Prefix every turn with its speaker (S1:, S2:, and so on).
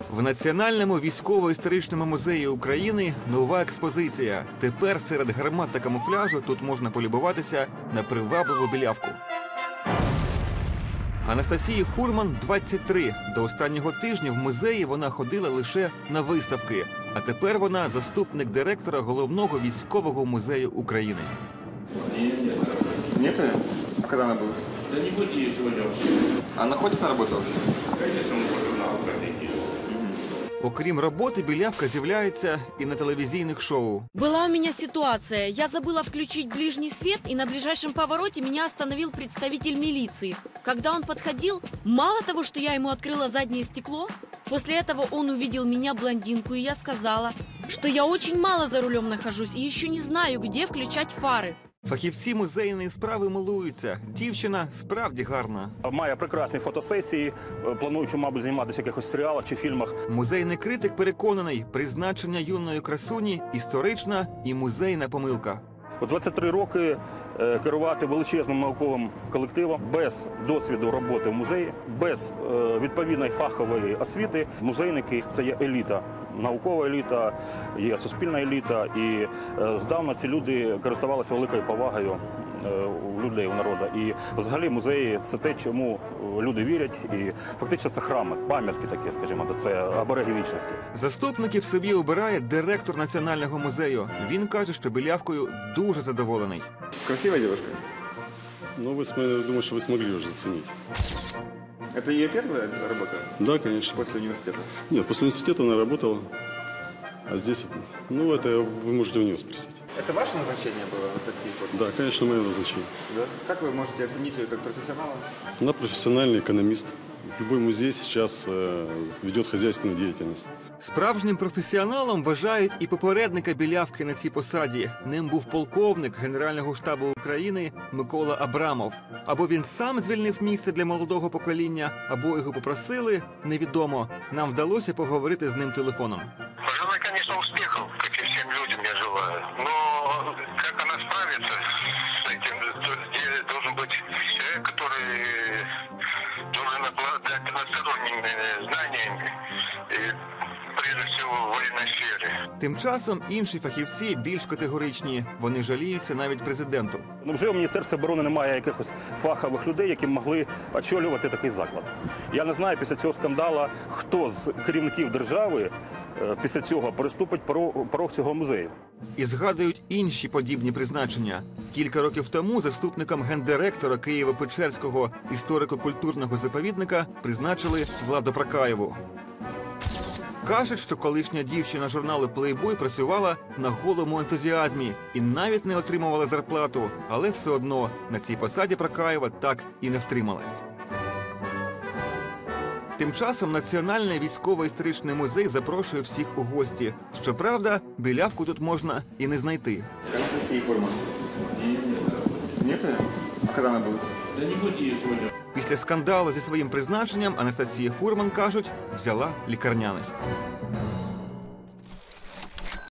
S1: В Національному військово-історичному музеї України нова експозиція. Тепер серед гармат та камуфляжу тут можна полюбуватися на привабливу білявку. Анастасії Фурман 23. До останнього тижня в музеї вона ходила лише на виставки. А тепер вона заступник директора Головного військового музею України. Нет? А когда она будет?
S2: Да не будет ее сегодня вообще.
S1: Она ходит на работу вообще?
S2: Конечно, мы по журналу пройти.
S1: Окрім роботи, білявка з'являється і на телевізійних шоу.
S3: Была у меня ситуация. Я забыла включить ближний свет, и на ближайшем повороте меня остановил представитель милиции. Когда он подходил, мало того, что я ему открыла заднее стекло, после этого он увидел меня, блондинку, и я сказала, что я очень мало за рулем нахожусь и еще не знаю, где включать фары.
S1: Фахівці музейної справи милуються. Дівчина справді гарна.
S4: Має прекрасні фотосесії, плануючи, мабуть, зніматися в якихось серіалах чи фільмах.
S1: Музейний критик переконаний, призначення юної красуні – історична і музейна помилка.
S4: У 23 роки керувати величезним науковим колективом без досвіду роботи в музеї, без відповідної фахової освіти. Музейники – це є еліта. Наукова еліта, є суспільна еліта, і здавна ці люди користувалися великою повагою у людей, у народу. І взагалі музеї – це те, чому люди вірять, і фактично це храми, пам'ятки такі, скажімо, це обереги вічності.
S1: Заступників собі обирає директор Національного музею. Він каже, що білявкою дуже задоволений. Красива дівчинка?
S5: Ну, думаю, что вы смогли уже оценить.
S1: Це її перша робота?
S5: Да, конечно.
S1: Після університету?
S5: Нет, после университета она работала, а здесь, ну, это вы можете у нее спросить.
S1: Это ваше назначение было, Анастасия Фурман?
S5: Да, конечно, мое назначение.
S1: Да? Как вы можете оценить ее как профессионала?
S5: Она профессиональный экономист. Любой музей сейчас ведет хозяйственную деятельность.
S1: Справжнім професіоналом вважають і попередника білявки на цій посаді. Ним був полковник Генерального штабу України Микола Абрамов. Або він сам звільнив місце для молодого покоління, або його попросили, невідомо. Нам вдалося поговорити з ним телефоном.
S6: Пожелаю, конечно, успехов, как и всем людям я желаю. Но как она справится с этим, должен быть человек, который должен обладать односторонними знаниями, и прежде всего в военной сфере.
S1: Тим часом інші фахівці більш категоричні. Вони жаліються навіть президенту.
S4: Ну, вже у Міністерстві оборони немає якихось фахових людей, які могли очолювати такий заклад. Я не знаю після цього скандалу, хто з керівників держави після цього переступить порог цього музею.
S1: І згадують інші подібні призначення. Кілька років тому заступником гендиректора Києво-Печерського історико-культурного заповідника призначили Владу Прокаєву. Кажуть, що колишня дівчина журналу «Плейбой» працювала на голому ентузіазмі і навіть не отримувала зарплату. Але все одно на цій посаді Прокаєва так і не втрималась. Тим часом Національний військово-історичний музей запрошує всіх у гості. Щоправда, білявку тут можна і не знайти. Анастасія Фурман? Нет. А коли вона буде?
S2: Да не будет ее сегодня.
S1: Після скандалу зі своїм призначенням Анастасія Фурман, кажуть, взяла лікарняний.